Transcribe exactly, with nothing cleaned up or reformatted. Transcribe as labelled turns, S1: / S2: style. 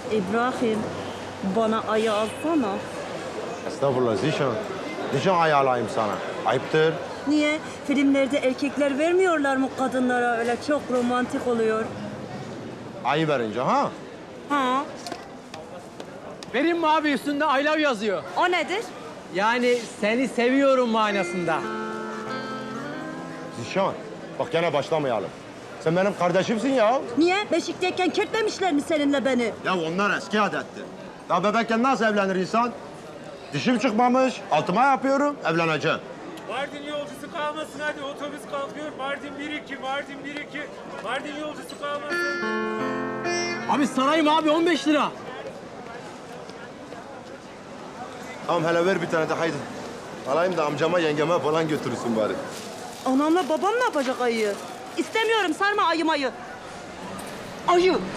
S1: İbrahim, bana ayı alsana.
S2: Estağfurullah Zişan. Zişan ayarlayayım sana. Ayıptır.
S1: Niye? Filmlerde erkekler vermiyorlar mı kadınlara, öyle çok romantik oluyor.
S2: Ayı verince ha?
S1: Ha?
S3: Vereyim mi abi, üstünde I love yazıyor.
S1: O nedir?
S3: Yani seni seviyorum manasında.
S2: Zişan, bak gene başlamayalım. Sen benim kardeşimsin ya.
S1: Niye? Beşikteyken kertlemişler mi seninle beni?
S2: Ya onlar eski adetti. Ya bebekken nasıl evlenir insan? Dişim çıkmamış, altıma yapıyorum, evleneceğim.
S4: Mardin yolcusu kalmasın hadi, otobüs kalkıyor. Mardin bir iki, Mardin bir iki. Mardin yolcusu kalmasın.
S3: Abi sarayım abi, on beş lira.
S2: Tamam hele ver bir tane de haydi. Alayım da amcama yengeme falan götürürsün bari.
S1: Anamla babam ne yapacak ayıyı? İstemiyorum, sarma ayı mayı. Ayı.